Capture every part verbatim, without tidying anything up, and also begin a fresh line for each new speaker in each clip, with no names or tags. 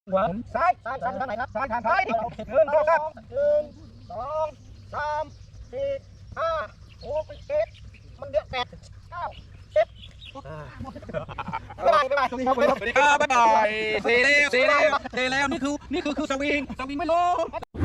หัวซ้ายซ้ายซ้ายทางไหนครับซ้ายทางซ้ายดิหนึ่งสองสามหนึ่งสองสามสี่ห้าหกเจ็ดมันเยอะแปดเก้าสิบบ๊ายบายบ๊ายบายสวัสดีครับสวัสดีครับบ๊ายบายเซเลวเซเลวเซเลวนี่คือนี่คือคือสวิงสวิงไม่ลง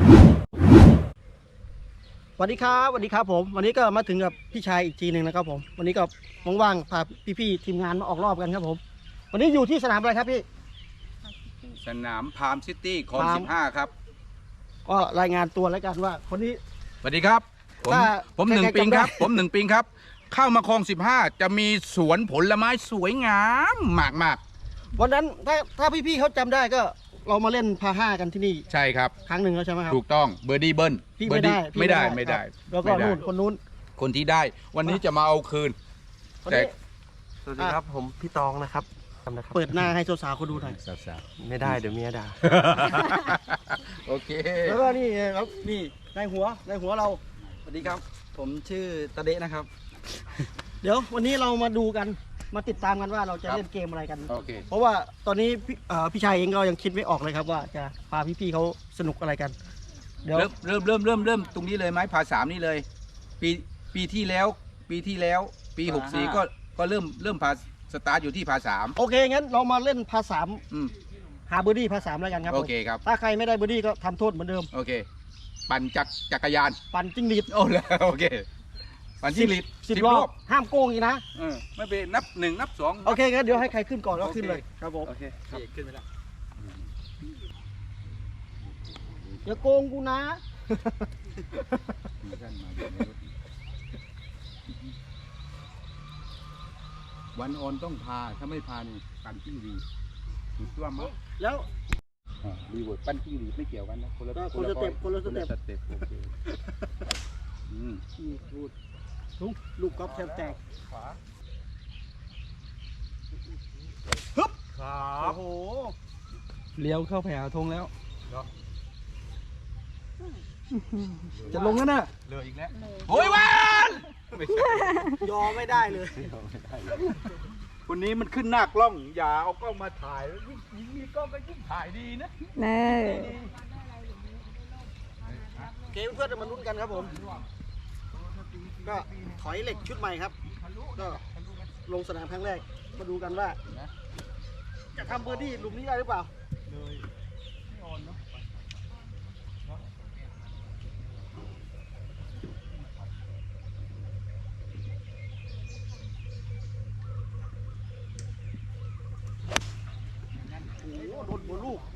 สวัสดีครับสวัสดีครับผมวันนี้ก็มาถึงกับพี่ชายอีกทีหนึ่งนะครับผมวันนี้ก็ว่างๆพาพี่ๆทีมงานมาออกรอบกันครับผมวันนี้อยู่ที่สนามอะไรครับพี่
สนามพามซิตี้คลองสิบห้าครับ
ก็รายงานตัวแล้วกันว่าคนนี้
สวัสดีครับผมผมหนึ่งปิงครับผมหนึ่งปิงครับเข้ามาคลองสิบห้าจะมีสวนผลไม้สวยงามมากมาก
วันนั้นถ้าถ้าพี่ๆเขาจำได้ก็เรามาเล่นพาห้ากันที่นี่
ใช่ครับ
ครั้งหนึ่งแล้วใช่ไหมครับ
ถูกต้องเบอร์ดี้เบิ้ล
พี่ไม่ได้
ไม่ได้ไม่ได้
แล้วก็นู่นคนนู้น
คนที่ได้วันนี้จะมาเอาคืน
แต่สวัสดีครับผมพี่ตองนะครับ
เปิดหน้าให้สาวๆเขาดูหน่อย
สาว
ๆไม่ได้เดี๋ยวเมียด่า
โอเค
แล้วก็นี่ครับนี่ในหัวในหัวเรา
สวัสดีครับผมชื่อตะเดะนะครับ
เดี๋ยววันนี้เรามาดูกันมาติดตามกันว่าเราจะเล่นเกมอะไรกัน
โอเค
เพราะว่าตอนนี้พี่พี่ชายเองก็ยังคิดไม่ออกเลยครับว่าจะพาพี่ๆเขาสนุกอะไรกัน
เดี๋ยวเริ่มเริ่มเริ่มเริ่มตรงนี้เลยไหมพาสามนี่เลยปีปีที่แล้วปีที่แล้วปีหกสี่ก็ก็เริ่มเริ่มพาสตาร์ทอยู่ที่พาสาม
โอเคงั้นเรามาเล่นพาสามหาเบอร์ดี้พาสามแล้วกันครับ
โอเคครับ
ถ้าใครไม่ได้เบอร์ดี้ก็ทำโทษเหมือนเดิม
โอเคปั่นจักรจักรยาน
ปั่นจิ้งหรีด
โอ้แล้วโอเคปั่นจิ้งหรีด
สิบรอบห้ามโกงอีกนะ
เออไม่เป็นนับหนึ่งนับสอง
โอเคงั้นเดี๋ยวให้ใครขึ้นก่อนก็ขึ้นเลยครับผม
โอเคขึ้นไปแล้ว
อย่าโกงกูนะ
วันออนต้องพาถ้าไม่พานี่ปั่นจิ้งหรีดถูกต้องมั้ย
แล้ว
รีเวิร์ดปั้นจิ้งหรีดไม่เกี่ยวกันนะคนละ
คนละสเต็ปคนละสเต็ป
โอเคอืม
พูดทุกลูกกอล์ฟแทบแตกขวาฮึบครับโอ้โห
เลี้ยวเข้าแผงธงแล้ว
จะลงแล้วนะ
เรืออีกแล้วโอ้ยวัน
ยอไม่ได้เลย
คนนี้มันขึ้นหน้ากล้องอย่าเอากล้องมาถ่ายยิ่งมีกล้องก็ยิ่งถ่ายดีนะ
แน่เกมเพื่อนจะมาลุ้นกันครับผมก็ถอยเหล็กชุดใหม่ครับก็ลงสนามครั้งแรกมาดูกันว่าจะทำเบอร์ดี้หลุมนี้ได้หรือเปล่าเลยไม่อ่อนเนาะโอ้โหโดนหัวลูก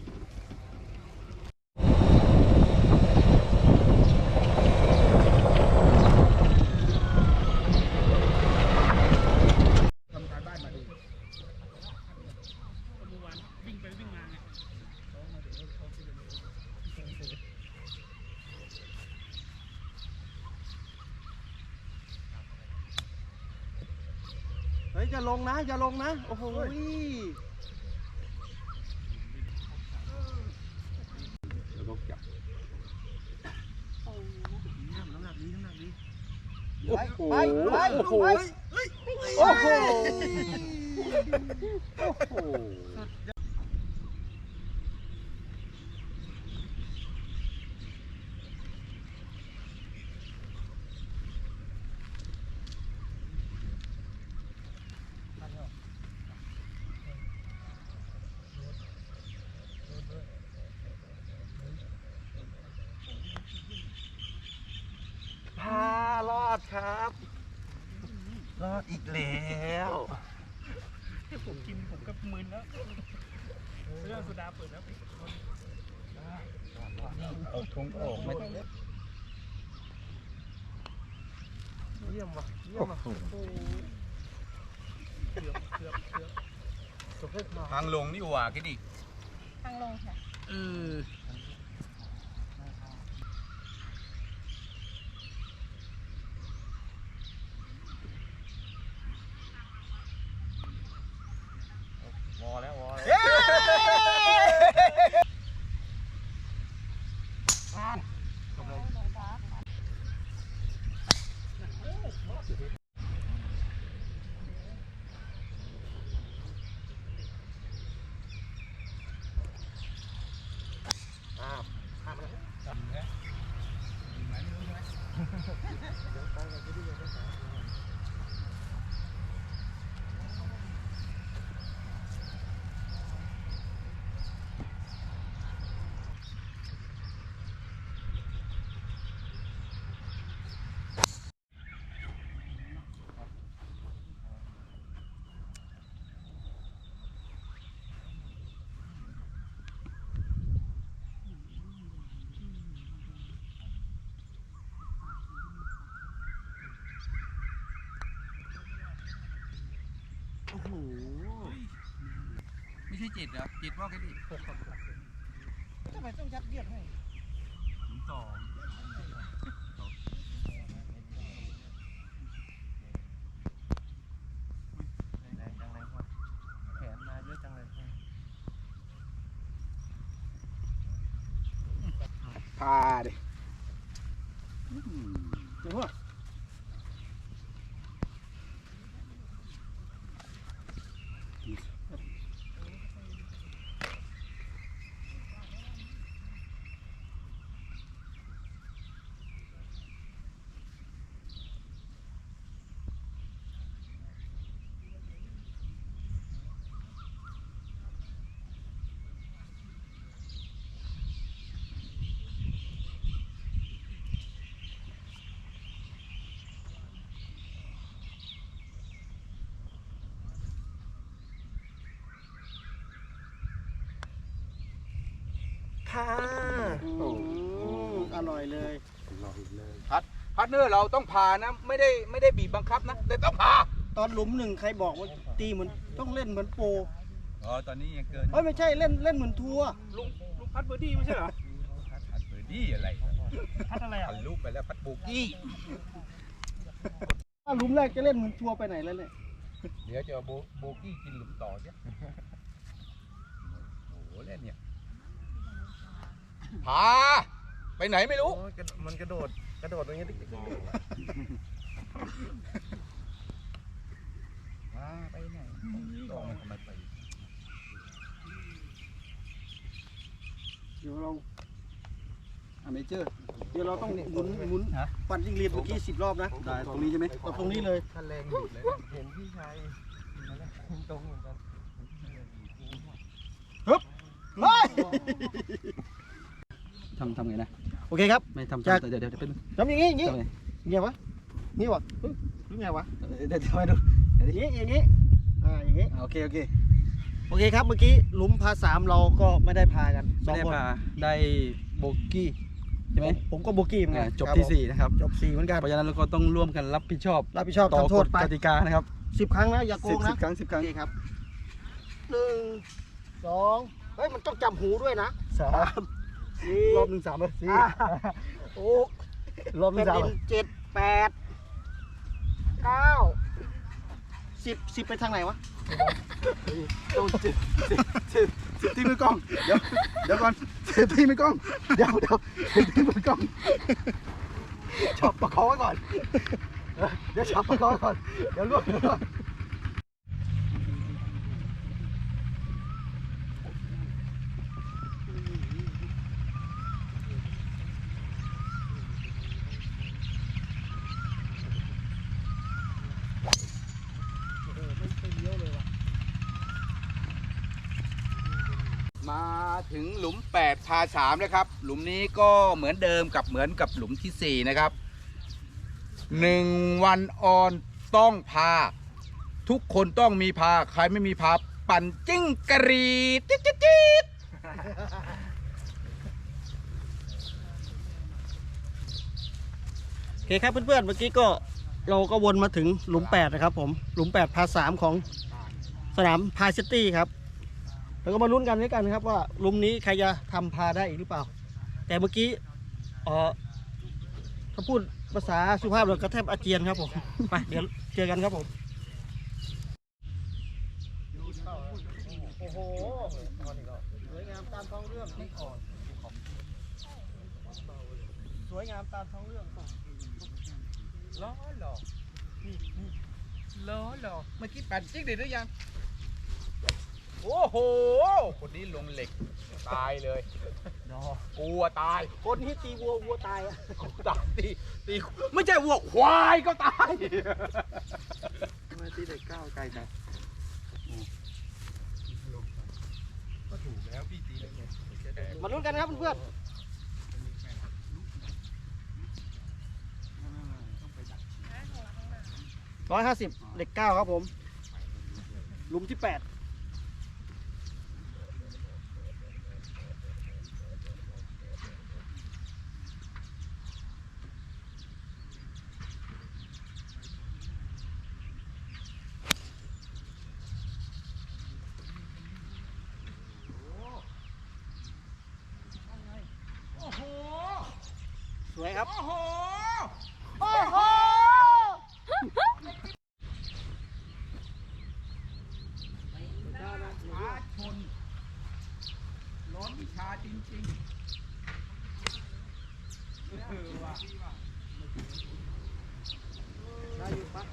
เฮ้ยจะลงนะจะลงนะโอ้โห
แล้วก็จับ
น้ำหนักดีน้ำหนักดี
ไป
ไปโอ้โหโอ้โหโอ้โหรอดครับรอดอีกแล้วที่ผมกินผมก็มึนแล้วเรื่องสุดาเปิดแล้ว
เอาทงออกไม่
เยี่ยมว่ะเยี่ยมว่ะ
ทางลงนี่หว่าคิดดิ
ทางลงค่ะ
เออ
วอแล้ววอ
ที่จิตเหรอจิตว่าแค่ดิ
ทำไมต้องยัดเยียดให้
หลุมสอง
แรงจังเลยพ่อแขนมาเยอะจังเลย
พาดิ
เดี๋ยวพ่อ
ค่ะ
อืมอร่อยเลย
พัดพัดเนอร์เราต้องพานะไม่ได้ไม่ได้บีบบังคับนะแต่ต้องพา
ตอนหลุมหนึ่งใครบอกว่าตีเหมือนต้องเล่นเหมือนโปร
อ๋อตอนนี้ยังเกิน
เอ้ยไม่ใช่เล่นเล่นเหมือนทัวร์
ลุงลุงพัดเบอร์ดี้ไม่ใช่เหรอพัดเบอร์ดี้อะไร
พัดอะไรอ่ะ
พัดลูกไปแล้วพัดโบกี้
ถ้าหลุมแรกจะเล่นเหมือนทัวร์ไปไหนแล้วเนี่ย
เดี๋ยวจะเอาโบโบกี้กินหลุมต่อเนี่ยโอ้โหเล่นเนี่ยพาไปไหนไม่รู้
โอ้ยกระมันกระโดดกระโดดตรงนี้ติ๊กติ๊กติ๊กติ๊ก
พาไปไหนต้องทำไมไป
เดี๋ยวเรา
อเมเจอร์
เดี๋ยวเราต้องหมุนหมุนปั่นจิ้งหรีดเมื่อกี้สิบรอบนะ
ได้ตรงนี้ใช่ไหม
เอาตรงนี้เลย
ถ้าแรงหยุดเลยนะเห็นพี่ชายตรงเหมือนกัน
เฮ้ย
ทำทำไงนะ
โอเคครับ
ไม่ทำ
จาก
เดี๋ยวเดี๋ยวเป็น
ทำอย่างนี้อย่างนี้
ทำไง
เงี้ยวะงี้วะเฮ้ยหรือไงวะ
เดี๋ยวเดี๋ยวไปดู
อย่างนี้อย่างนี้อ่าอย่างนี้
โอเคโอเค
โอเคครับเมื่อกี้หลุมพาสามเราก็ไม่ได้พากันส
ไม่
อง
ได้
คน
พาได้โบกี้ใช่ไหม
ผมก็โบกี้เหมือนกั
อ่าน จบที่สี่นะครับ
จบสี่เหมือนกัน
เพราะฉะนั้นเราก็ต้องร่วมกันรับผิดชอบ
รับผิดชอบ
ต่อ
ทำโท
ก
ษ
ฎ
ไป
กติกานะครับ
สิบครั้งนะอย่าโก
สิบ
ง
สิ
นะ
บครั้งสิบครั้ง
โอเคครับหนึ่งสองเฮ้ยมันต้องจำหูด้วยนะ
สาม
สี่
รอบหนึ่งสามเลยสี่
ห้าหก
รอบหนึ่งสาม
เป็นดินเจ็ดแปดเก้าสิบสิบไปทางไหนวะ
ต้องสิบสิบสิบสิบที่มือกล้องเดี๋ยวเดี๋ยวก่อนสิบที่มือกล้องเดี๋ยวเดี๋ยวสิบที่มือกล้องชอบประคองไว้ก่อนเออเดี๋ยวชอบประคองไว้ก่อนเดี๋ยวล่วงเดี๋ยวล่วง มาถึงหลุมแปดพาสามแล้วครับ หลุมนี้ก็เหมือนเดิมกับเหมือนกับหลุมที่สี่นะครับหนึ่งวันออนต้องพา ทุกคนต้องมีพา ใครไม่มีพาปั่นจิ้งกะรีดจิ๊ดจิ๊ดจิ๊ด
โอเคครับเพื่อนๆเมื่อกี้ก็เราก็วนมาถึงหลุมแปดนะครับผมหลุมแปดพาสามของสนามพาซิตี้ครับแล้วก็มาลุ้นกันด้วยกันครับว่าหลุมนี้ใครจะทำพาได้อีกหรือเปล่า แต่เมื่อกี้เออถ้าพูดภาษาสุภาพเราก็แทบอาเจียนครับผมไปเดี๋ยวเจอกันครับผมโอ้โหสวยงามตามท้องเรื่องไม่อ่อนสวยงามตามท้องเรื่อง
ล้อหล่อนี่นี่ล้อหล่อเมื่อกี้ปั่นจิ้งเด็ดหรือยัง โอ้โห คนนี้ลงเหล็กตายเลยกลัวตาย
คนที่ตีวัววัวตายอะ
ตายตีตีไม่ใช่วัวควายก็ตาย
ทำไมตีเด็กก้าวไกลจัง
ก็ถูกแล้วพี่ตีแล้วไง
มาลุ้นกันนะครับเพื่อนร้อยห้าสิบเหล็กเก้าครับผมหลุมที่แปดสวยครับ
โอ้โห
โอ้โห
ชาชนร้อนวิชาจริงๆเออว่ะ
ได้อยู่ปะ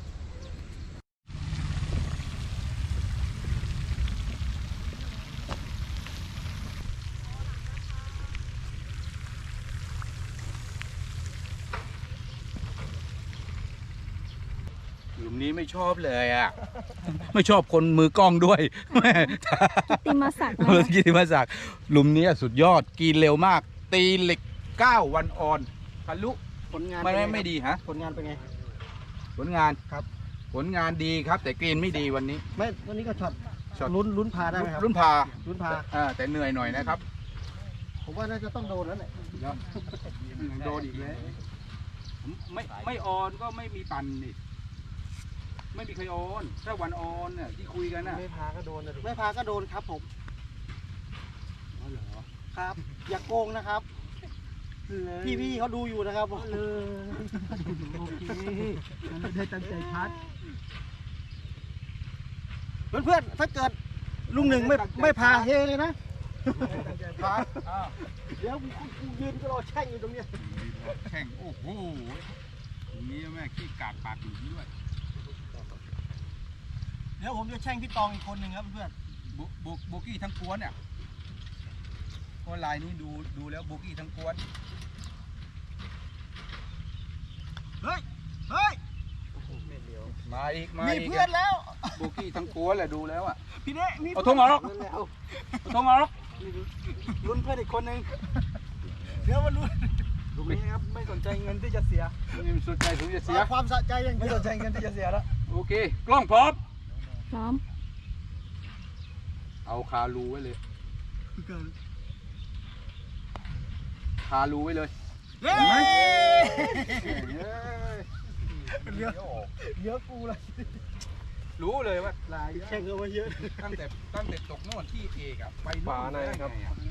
หลุมนี้ไม่ชอบเลยอ่ะ ไม่ชอบคนมือกล้องด้วยแม่
ติมาศักดิ์
เออกิติมาศักดิ์หลุมนี้สุดยอดกินเร็วมาก ตีเหล็กเก้าวันออนทะลุ
ผลงาน
ไม่
เป็น
ไม่
ง
ไม่ดีฮะ
ผลงานเป็นไง
ผลงาน
ครับ
ผลงานดีครับ แต่กรีนไม่ดีวันนี้
ไม่วันนี้ก็ช็อต
ช็อต
ลุ้นลุ้นพาได้ไหมครับ
รุ่นพา
ลุ้นพา
อ่าแต่เหนื่อยหน่อยนะครับ
ผมว่าน่าจะต้องโดนแล้วแหละ
โดนอีกแล้วไม่ไม่ออนก็ไม่มีปันนี่ไม่มีใครออนถ้าวันออนเนี่ยที่คุยกันน่ะ
ไม่พาก็โดนนะดู
ไม่พาก็โดนครับผม
อ๋อเหรอ
ครับ อย่าโกงนะครับ พี่พี่ๆเขาดูอยู่นะครับผม
มันได้ตั้งใจพัด
เพื่อนๆถ้าเกิดลุงหนึ่งไม่ไม่พาเฮเลยนะ
พาอ้าว
เดี๋ยวกูยืนก็รอแช่งอยู่ตรงเนี้ย
แข่งโอ้โหตรงนี้แม่ขี้กากปากหลุมด้วย
เดี๋ยวผมจะแช่งพี่ตองอีกคนหนึ่งครับเพื่อน
โบโบโบกี้ทั้งกวนเนี่ยเพราะลายนี้ดูดูแล้วโบกี้ทั้งกวน
เฮ้ยเฮ้ย
มาอีกมา
มี
อีก
เพื่อนแล้ว
โบกี้ทั้งกวนแหละดูแล้วอ่ะ
พี่เน่มี
เอาธงออก
เพื่อนแล้ว
เอาธงออก
ลุ้นเพื่อนอีกคนหนึ่งเดี๋ยวมาลุ้น
ลูกนี้ครับไม่สนใจเงินที่จะเสีย
นี่มันสุดใจถึงจะเสีย
เอาความสะใจอย่าง
ไม่
เดีย
ส
วน
ใจเงินที่จะเสียแล้ว
โอเค กล้องพร้อม
พร้อม
เอาคารูไว้เลย คารูไว้เลย
เย้
เห็นไหม
เหลือเหลือกูเลย
รู้เลยว่าลาย
แข่งกันมาเยอะ
ตั้งแต่ตั้งแต่ตกโน่นที่เอกอะไปโ
ฝาในครับ
ได้ไงอะ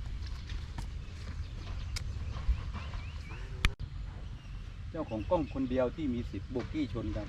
เจ้าของกล้องคนเดียวที่มีสิทธิ์โบกี้ชนกัน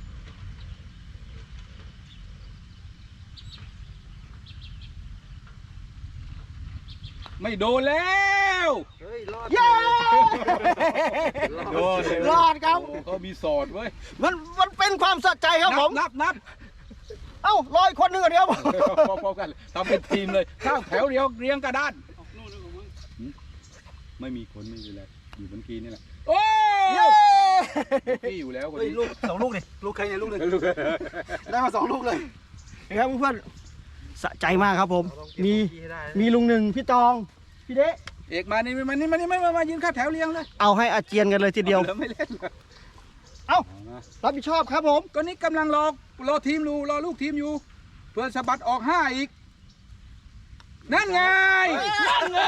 ไม่โดนแล้ว
เฮ้ยรอด
เย้
โดนเลย
รอดครับ
โอ้เขามีสอดเว้ย
มันมันเป็นความสะใจครับผม
นับนับ
เอ้ารออีกคนหนึ่งก่อนเดียว
นับพอๆกันทำเป็นทีมเลยข้าวแถวเดียวเรียงกระดานหืมไม่มีคนไม่มีอะไรอยู่บนกีนี่แหละโอ้
เย้
พี่อยู่แล้วคน
เฮ้ย
นี้
ลูกสองลูกดิลูกใครเนี่ยลูกหนึ่ง
ลูก
ได้มาสองลูกเลยนะครับเพื่อนๆสะใจมากครับผม มี
ให้ได้
มีลุงหนึ่งพี่ตองพี่เดะ
เอกมานี่มานี่มานี่มามามายืนข้าวแถวเรียงเลย
เอาให้อาเจียนกันเลยทีเดียว
หลือไม่เล่นเลย
เอ้า
เอามา
รับผิดชอบครับผม
ก็นี่กำลังรอรอทีมอยู่รอลูกทีมอยู่ เพื่อสะบัดออกห้าอีก นั่นไงนั่นไง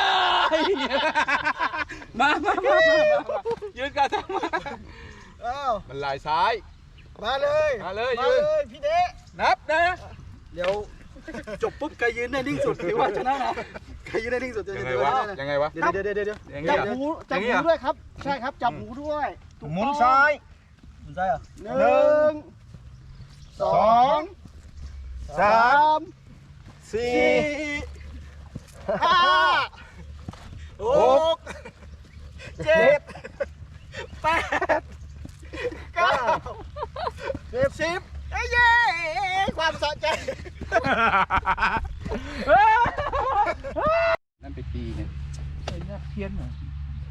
มามามามามายืนกันทำไม
เอ้า
มันลายซ้าย
มาเลย
มาเลย
มา
ยืน
เลยพี่เดะ
นับนะ
เดี๋ยวจบปุ๊บใครยืนได้นิ่งสุดถือว่าชนะนะใครยืนได้นิ่งสุดจะ
ยังไง
ถือ
วะ
ว่าชนะ
ยังไงวะ
เดี๋ยวเดี๋ยวเดี๋ยวเดี๋ยว
อย่างนี้
จับ
เหรอ
หูจับ
อย่างนี้
หู
เหรอ
ด้วยครับ ใช่ครับจับหูด้วยถูก
หมุน
ต้อง
ซ้ายหมุนซ้ายเหรอ
หนึ่งสองสามสี่ห้าหกเจ็ดแปดเก้าสิบสิบเอ้ยเย้ความสะใจ
นั่นไปตีเนี่ยไอ้เนี่ยเพี้ยนเหรอ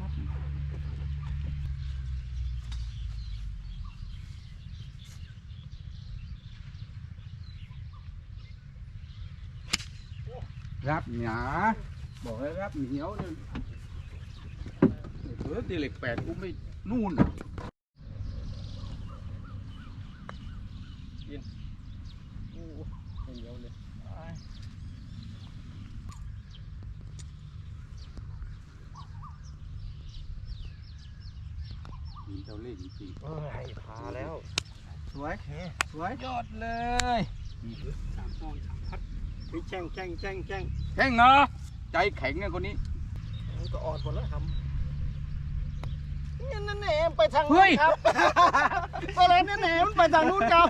รับหนาบอกให้รับเหนียวเนี่ยเออตีเหล็กแปดกูไม่นู่น
เหนียวเลย
หินเจ้าเล่ห์จริง
เอ้ยพาแล้ว
สวยสวย
ๆยอดเลย
สามฟองสามพัดเฮ้ยแช่งแช่งแช่งแช่ง
แข็งเนาะใจแข็งเนี่ยคนนี้
มันก็อ่อนหมดแล้วทเนี่ยนั่นแหนมไปทางนู้นครับก็เลยนั่นแหนมไปทางนู้นครับ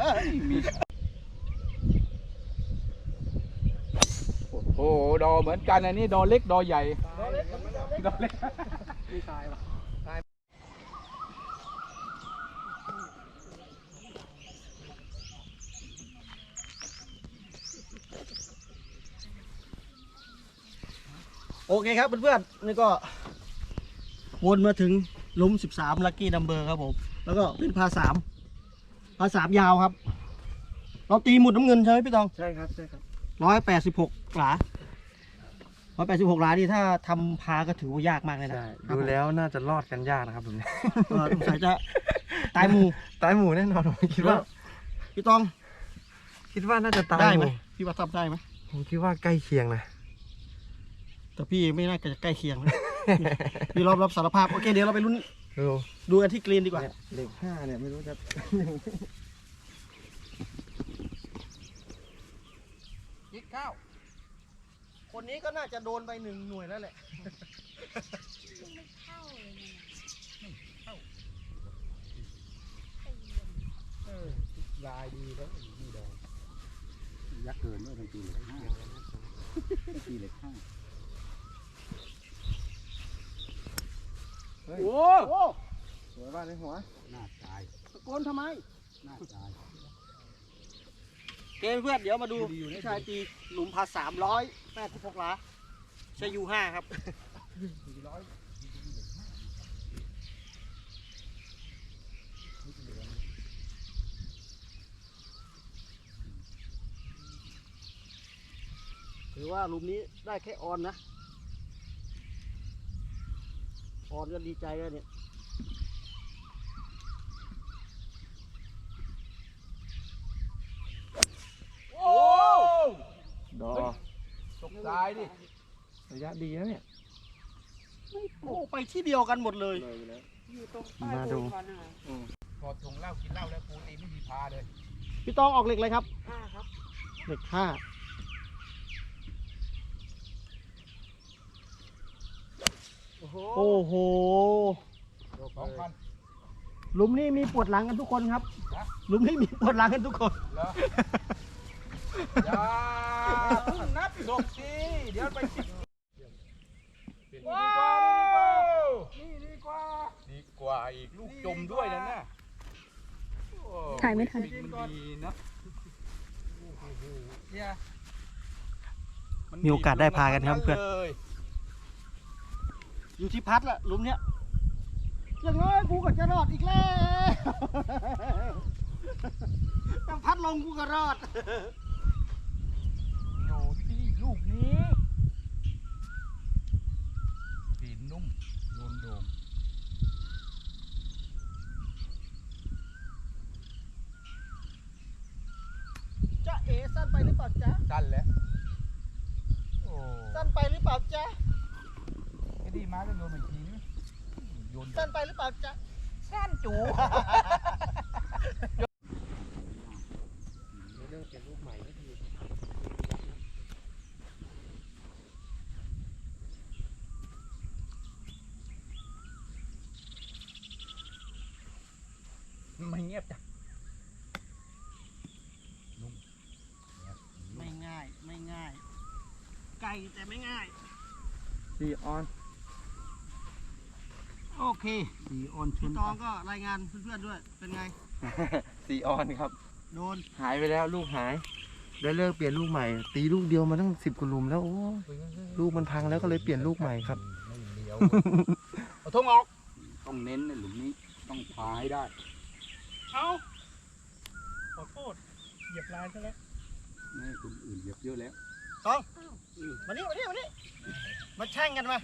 โอ้โหดอเหมือนกันอันนี้ดอเล็กดอใหญ่ดอเล็กดอเล็ก
ไม่ตายหรอโอเคครับเพื่อนๆนี่ก็วนมาถึงหลุมสิบสามลัคกี้นัมเบอร์ครับผมแล้วก็เป็นพาสามพาสามยาวครับ เราตีหมุดน้ำเงินใช่ไหมพี่ตอง
ใช่ครับใช่ครับ
ร้อยแปดสิบหกหลาร้อยแปดสิบหกหลานี่ถ้าทำพาก็ถือว่ายากมากเลยนะ
ใช่
ครับ
ดูแล้วน่าจะรอดกันยากนะครับผมเนี่ย
เออสงสัยจะตายหมู
ตายหมูแน่นอนผมคิดว่า
พี่ตอง
คิดว่าน่าจะตาย
ได้
ห
ไหม
มู
พี่ว่าทำได้ไหม
ผมคิดว่าใกล้เคียงนะ
แต่พี่ไม่น่าจะใกล้เคียงนะ พี่รอบรับสารภาพโอเคเดี๋ยวเราไปลุ้น
ดู
ดูกันที่กรีนดีกว่า
เนี่ยเลขห้าเนี่ยไม่รู้จะ
ยิกข้าว
คนนี้ก็น่าจะโดนไปหนึ่งหน่วยแล้วแหละ
ลายดีแล้วนี่ดอยักษ์เกินด้วยทั้งปีเหล็กห้าปีเหล็กห้า
เฮ้ย
โอ้โห
สวยบ้านในหัว
หน้าตาย
ตะโกนทำไม
หน้าตาย
เกมเพื่อนเดี๋ยวมาดูพี่ชายตีหลุมพาสามร้อยแปดสิบหกหลาใช้ยูห้าครับ ถือว่าหลุมนี้ได้แค่ออนนะ ออนก็ดีใจแล้วเนี่ย
โอ้
ดอ
ตกตายดิ
ระยะดีนะเนี่ย
โอ้ไปที่เดียวกันหมดเลย
มาดู
พอถุงเหล้ากินเหล้าแล้วปูตีไม่มีพาเลย
พี่ตองออกเหล็กเลยครับห้าครับเหล็กห้าโอ้โห
สองพัน
หลุมนี้มีปวดหลังกันทุกคนครับ
ฮะ
หลุมนี้มีปวดหลังกันทุกคน
เหรออย่าเพิ่งนับศพสิเดี๋ยวไปสิว้าวนี่ดีกว่าดีกว่าอีกลูกจมด้วยนะน่ะโอ้
ถ่ายไม่ทัน
วิ่งมันดีนะเนี่ย
มีโอกาสได้พากันครับเพื่อน
เลย
อยู่ที่พัดละหลุมเนี้ยยังไงกูก็จะรอดอีกแล้วต้องพัดลงกูก็รอด
อยู่ที่ลูกนี้สีนุ่มโดนโดม
จะเอสั้นไปหรือเปล่าจ๊ะ
สั้นแล้วโอ้
สั้นไปหรือเปล่าจ๊ะ
ไอ้ดีมาก็โยนอีกทีนึงโยน
สั้นไปหรือเปล่าจ๊ะ
สั้นจู
เรื่องเปลี่ยนรูปใหม่ก็ดี
ไม่เงียบจ้ะ
ไม่ง่ายไม่ง่ายไกลแต่ไม่ง่าย
ดีออน
โอเค
สีอ่อนช
พี่
น
ตองก็รายงานเพื่อนๆด้วยเป็นไง
ซีออนครับ
โดน
หายไปแล้วลูกหายได้เลิกเปลี่ยนลูกใหม่ ตีลูกเดียวมาตั้งสิบกว่าหลุมแล้วโอ้ลูกมันพังแล้วก็เลยเปลี่ยนลูกใหม่ครับ
ไม่เลี้ยวเอาทงออกต้องเน้นในหลุมนี้ต้องพาให้ได้
เอาขอโทษเหยียบลายซะแล้ว
ไม่ให้คนอื่นเหยียบเยอะแล้ว
ตองมานี่มานี่มานี่มาแช่งกันมา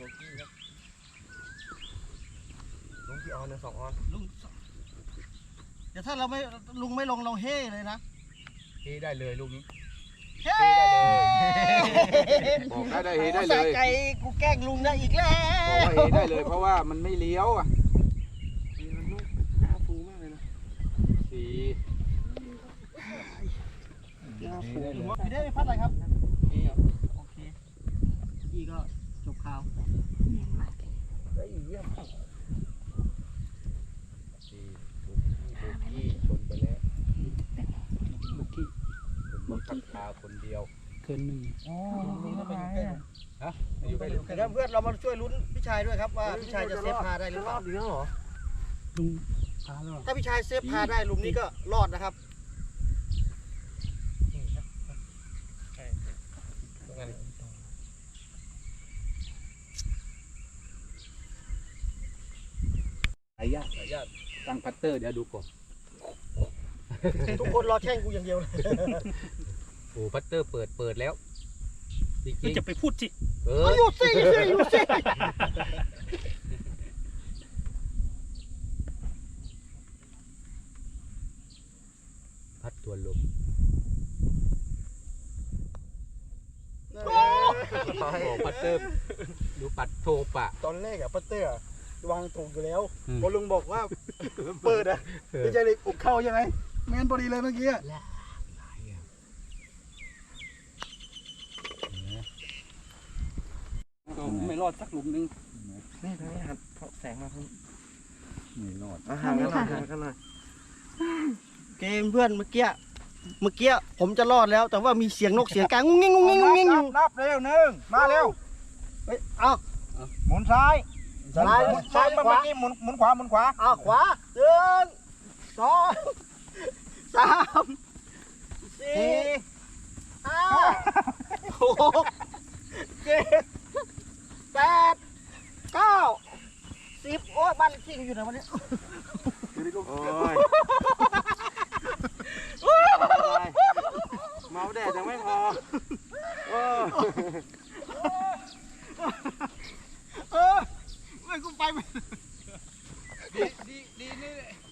ลุงกี่ออนนะสองออน
ลุงเดี๋ยวถ้าเราไม่ลุงไม่ลงเราเฮ่เลยนะ
เฮได้เลยลูกนี้
เฮ้
บอกได้เลยเฮได้เลย
สะใจกูแกล้งลุงได้อีกแล้ว
บอกว่าเฮได้เลยเพราะว่ามันไม่เลี้ยวอ่ะ
นี่มันลูกหน้าฟูมากเลยนะ
สี่
หน้าฟู
พี่ได้พัดอะไรครับโอเคอีก็จบข่าว
ได้อีกเยี่ยม
สี่โบกี้โบกี้ชนไปแล้ว
บุกี้
คนนี้พักพาคนเดียว
เกินหนึ่ง
ฮะอยู่ไปอยู่ไป
เดี๋ยวเพื่อนเรามาช่วยลุ้นพี่ชายด้วยครับว่าพี่ชายจะเซฟพาได้หรือเปล่า
ดีแล้วเหรอ
ลุงพาแล้ว
ถ้าพี่ชายเซฟพาได้หลุมนี้ก็รอดนะครับ
สายญาติสายญาติตั้งพัตเตอร์เดี๋ยวดูก่อน
ทุกคนรอแช่งกูอย่างเดียวเลย
โอ้พัตเตอร์เปิดเปิดแล้วจริง
ก็จะไปพูดสิ
ๆเออ
เอาอยู่สิอยู่สิอยู่สิ
พัดตัวลมโอ้พัตเตอร์ดูปัดโทปะ
ตอนแรกอะปัตเตอร์วางถูกอยู่แล้ว
อืม
พอลุงบอกว่าเปิดอะพี่ชายเลยอุกเข้าใช่ไหมแมนพอดีเลยเมื่อกี้อะ
ก็ไม่รอดสักหลุมหนึง
นี่ทางนี้หันเพราะแสงมาทางนี้
ไม่รอด
อาหารกันหน่อยห่างกันหน่อย
เกมเพื่อนเมื่อกี้เมื่อกี้ผมจะรอดแล้ว แต่ว่ามีเสียงนกเสียงกลางงุ้งงิ้งงุ้งงิ้งงุ้งงิ้งอยู่
นับเร็วหนึ่งมาเร็ว
เฮ้ยเอา
หมุนซ้าย
ซ้าย
หมุน
ซ้าย
เมื่
ขวา
อกี้หมุนหมุนขวาหมุนขวา
เอาขวาหนึ่งสองสามสี่ห้าหกเจ็ดแปดเก้าสิบโอ้ยบ้านเลขที่เขาอยู่ไหนวันนี้
โอ้ยเมาแดดยังไม่พอโอ้
เออไม่กูไปไม่
ดีดีดีนี่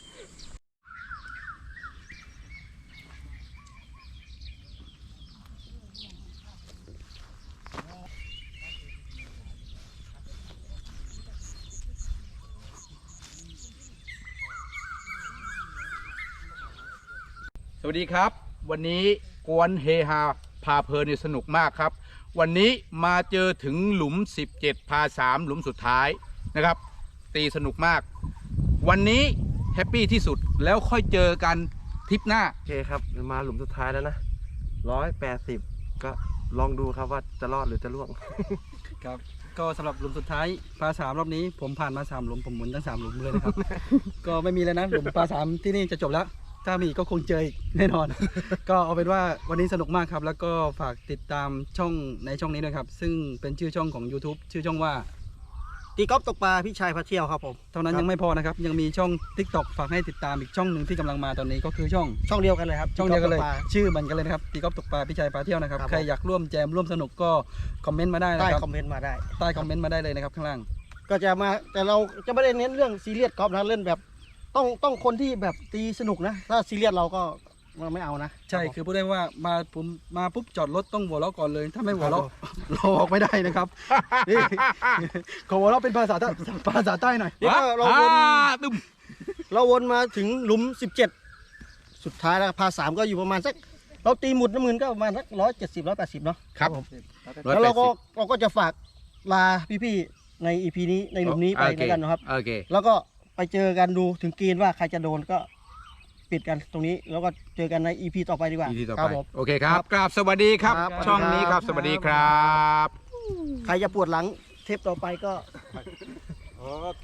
สวัสดีครับ วันนี้กวนเฮฮาพาเพลินนี่สนุกมากครับ วันนี้มาเจอถึงหลุมสิบเจ็ดพาสามหลุมสุดท้ายนะครับ ตีสนุกมาก วันนี้แฮปปี้ที่สุดแล้วค่อยเจอกันทริปหน้า
โอเคครับมาหลุมสุดท้ายแล้วนะร้อยแปดสิบก็ลองดูครับว่าจะรอดหรือจะล่วง
ครับก็สำหรับหลุมสุดท้ายปลาสามรอบนี้ผมผ่านมาสามหลุมผมหมุนทั้งสามหลุมเลยนะครับ ก็ไม่มีแล้วนะหลุมปลาสามที่นี่จะจบแล้ว ถ้ามีก็คงเจออีกแน่นอน ก็เอาเป็นว่าวันนี้สนุกมากครับ แล้วก็ฝากติดตามช่องในช่องนี้ด้วยครับ ซึ่งเป็นชื่อช่องของ YouTube ชื่อช่องว่า
ตีกอล์ฟตกปลาพี่ชายพาเที่ยวครับผม
เท่านั้นยังไม่พอนะครับ ยังมีช่อง TikTok ฝากให้ติดตามอีกช่องหนึ่งที่กำลังมาตอนนี้ก็คือช่อง
ช่องเดียวกันเลยครับ
ช่องเดียวกันเลย
ตีอล์ฟต
ชื่อมันกันเลยนะครับตีกอล์ฟตกปลาพี่ชัยปลาเที่ยวนะครับ
ครับ
ใครอยากร่วมแจมร่วมสนุกก็คอมเมนต์มาได้
กปลา
นะ
ใต้
ครับ
คอมเมนต์มาได้
ใต้คอมเมนต์มาได้เลยนะครับข้างล่าง
ก็จะมาแต่เราจะไม่ได้เน้นเรื่องซีเรียสกอล์ฟนะเล่นแบบ ต้องต้องคนที่แบบตีสนุกนะ ถ้าซีเรียสเราก็เราไม่เอานะ
ใช่คือพูดได้ว่ามาผมมาปุ๊บจอดรถต้องหัวเราะก่อนเลย ถ้าไม่หัวเราะเราออกไม่ได้นะครับนี่ขอหัวเราะเป็นภาษาใต้ภาษาใต้หน่อย
นี่ก็เราวน
อ่าตึม
เราวนมาถึงหลุมสิบเจ็ดสุดท้ายแล้วพาสามก็อยู่ประมาณสักเราตีหมุดน้ำเงินก็ประมาณสักร้อยเจ็ดสิบร้อยแปดสิบเนาะ
ครับ
ผม
ร้อย
แล้ว
แป
เรา
ด
ก็
สิบ
เราก็จะฝากลาพี่ๆในอีพีนี้ในหลุมนี้ไป
โอเค
แล้วกันนะครับ
โอเค
แล้วก็ไปเจอกันดูถึงเกณฑ์ว่าใครจะโดนก็ปิดกันตรงนี้ แล้วก็เจอกันใน อี พี ต่อไปดีกว่า
อีพีต่อ
ค
ไป
รับผม
โอเคครับกราบสวัสดีครับ
ครับ
ช่องนี้ครับ สวัสดีครับ
ใครจะปวดหลังเทปต่อไปก็
โอเค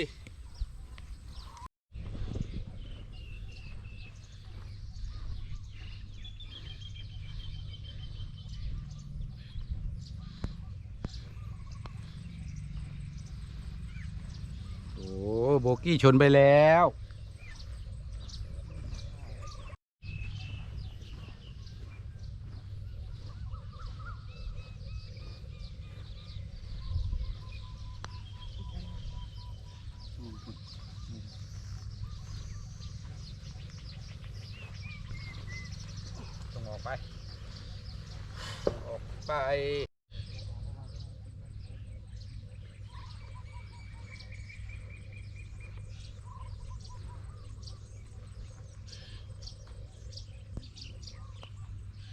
โอ้โบกี้ชนไปแล้วต้องออกไป ออกไป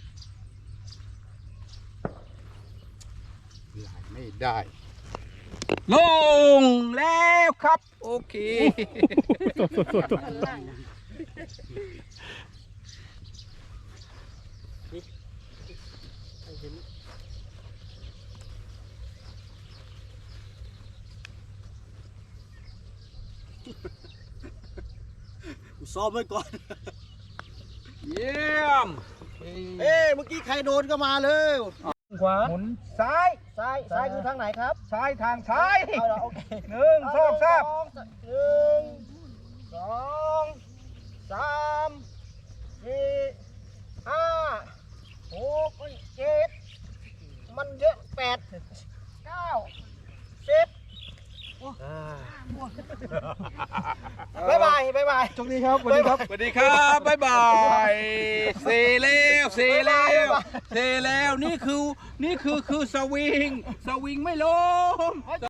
ไหลไม่ได้ลงแล้วครับ โอเค
กูซ้อมไว้ก่อน
เยี่ยม
เอ้เมื่อกี้ใครโดนก็มาเลย
ขวา
หมุนซ้าย
ซ้ายซ้ายคือทางไหนครับ
ซ้ายทางซ้าย
เอาละโอเค
หนึ่งสองสาม
หนึ่งสองสามสี่ห้าหกเจ็ดมันเยอะแปดเก้าสิบบ๊ายบายบ๊ายบาย
โชคดีครับสวัสดีครับ
สวัสดีครับ บ๊ายบายเซแล้วเซแล้วเซแล้ว นี่คือ นี่คือ คือสวิง สวิงไม่ล้ม